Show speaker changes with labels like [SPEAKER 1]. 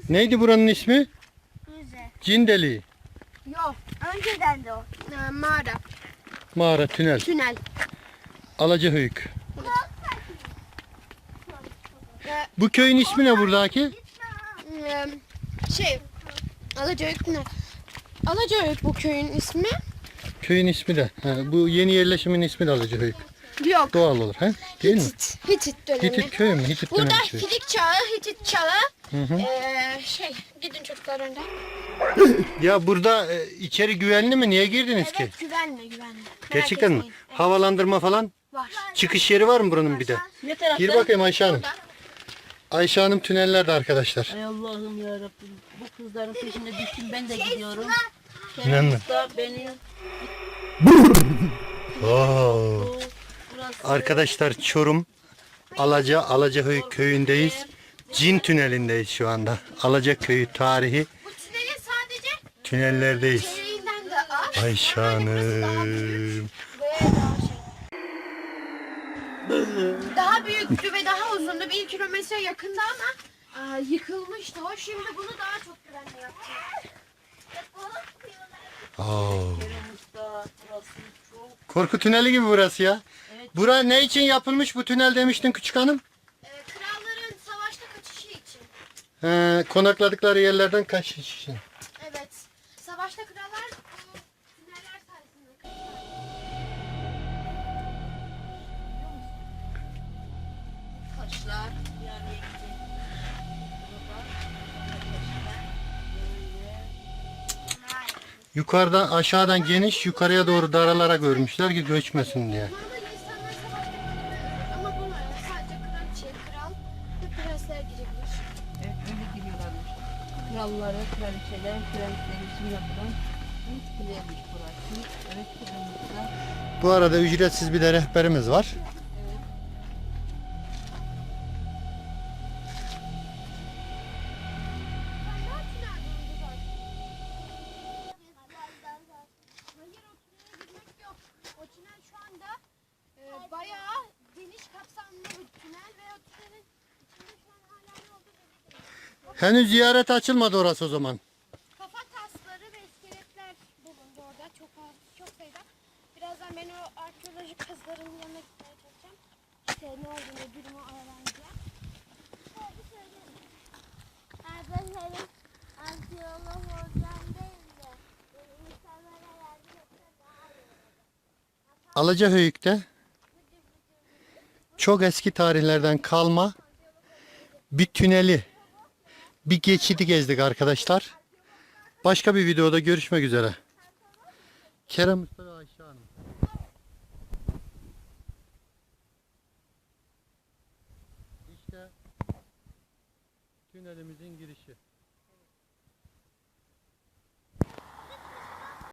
[SPEAKER 1] Neydi buranın ismi?
[SPEAKER 2] Müze.
[SPEAKER 1] Cin deliği.
[SPEAKER 2] Yok. Önceden de o. Mağara.
[SPEAKER 1] Mağara, tünel.
[SPEAKER 2] Tünel.
[SPEAKER 1] Alacahöyük. Bu köyün ismi ne buradaki?
[SPEAKER 2] Alacahöyük ne? Alacahöyük bu köyün ismi.
[SPEAKER 1] Köyün ismi de. Ha, bu yeni yerleşimin ismi de Alacahöyük.
[SPEAKER 2] Yok.
[SPEAKER 1] Doğal olur. He? Değil mi?
[SPEAKER 2] Hitit dönemi.
[SPEAKER 1] Hitit köyü mü? Hitit
[SPEAKER 2] Burada
[SPEAKER 1] dönemi köyü.
[SPEAKER 2] Hitit çağı, Hitit çağı.
[SPEAKER 1] Hı.
[SPEAKER 2] Gidin çocuklar önden.
[SPEAKER 1] Ya burada içeri güvenli mi? Niye girdiniz ki?
[SPEAKER 2] Evet, güvenli. Merak
[SPEAKER 1] Gerçekten mi?
[SPEAKER 2] etmeyin. Evet,
[SPEAKER 1] Havalandırma falan?
[SPEAKER 2] var.
[SPEAKER 1] Çıkış yeri var mı buranın bir de?
[SPEAKER 3] Ne tarafta?
[SPEAKER 1] Gir bakayım Ayşe Hanım. Ayşe Hanım tünellerde arkadaşlar.
[SPEAKER 3] Ay Allah'ım ya Rabbim. Bu kızların peşine düştüm, ben de gidiyorum.
[SPEAKER 1] İnanma.
[SPEAKER 3] Kerem Usta beni
[SPEAKER 1] Oo.
[SPEAKER 3] burası
[SPEAKER 1] Arkadaşlar Çorum Alacahöyük köyündeyiz. Cin tünelindeyiz şu anda. Alacaköyü tarihi
[SPEAKER 2] Bu tünelin sadece
[SPEAKER 1] tünellerdeyiz.
[SPEAKER 2] içeriğinden de az.
[SPEAKER 1] Ayşe Hanım.
[SPEAKER 2] Daha büyüktü ve daha uzundu. 1 kilometre yakında ama yıkılmıştı o. Şimdi bunu daha çok güvenli yapacak.
[SPEAKER 1] Oo.
[SPEAKER 3] Kerem Usta burası çok
[SPEAKER 1] Korku tüneli gibi burası ya. Bura ne için yapılmış bu tünel demiştin küçük hanım?
[SPEAKER 2] Kralların savaşta kaçışı için.
[SPEAKER 1] Konakladıkları yerlerden kaçış için.
[SPEAKER 2] Evet. Savaşta krallar bu tüneller sayesinde kaçışlar.
[SPEAKER 3] taşlar bir araya gidecek. Burada
[SPEAKER 1] Yukarıdan aşağıdan geniş yukarıya doğru daralarak örmüşler ki göçmesin diye.
[SPEAKER 2] Normalde insanlar savaşta kaçışlar ama bunlar sadece kraliçe, kral ve prensler girebilir.
[SPEAKER 3] evet öyle giriyorlarmış. Kralları, kraliçeler, prensler için yapılan ilk kulemiş burası. Evet Kerem Usta.
[SPEAKER 1] Bu arada ücretsiz bir de rehberimiz var.
[SPEAKER 2] Hayır, o tünele girmek yok. O tünel şu anda bayağı geniş kapsamlı bir tünel ve o tünelin içinde şu an hala ne olduğu belli değil.
[SPEAKER 1] Henüz ziyaret açılmadı orası o zaman.
[SPEAKER 2] Kafa tasları ve iskeletler bulundu orada çok sayıda. Birazdan ben o arkeolojik kazıların yanına gitmeye çalışacağım. İşte ne olduğunu, durumu öğreneceğim. Hadi söyleyeyim. Arkadaşlarım arkeolog olacağım değil de insanlara yardım etse daha iyi olur.
[SPEAKER 1] Alacahöyük'te çok eski tarihlerden kalma bir tüneli, bir geçidi gezdik arkadaşlar. Başka bir videoda görüşmek üzere. Kerem Usta ve Ayşe Hanım. İşte tünelimizin girişi.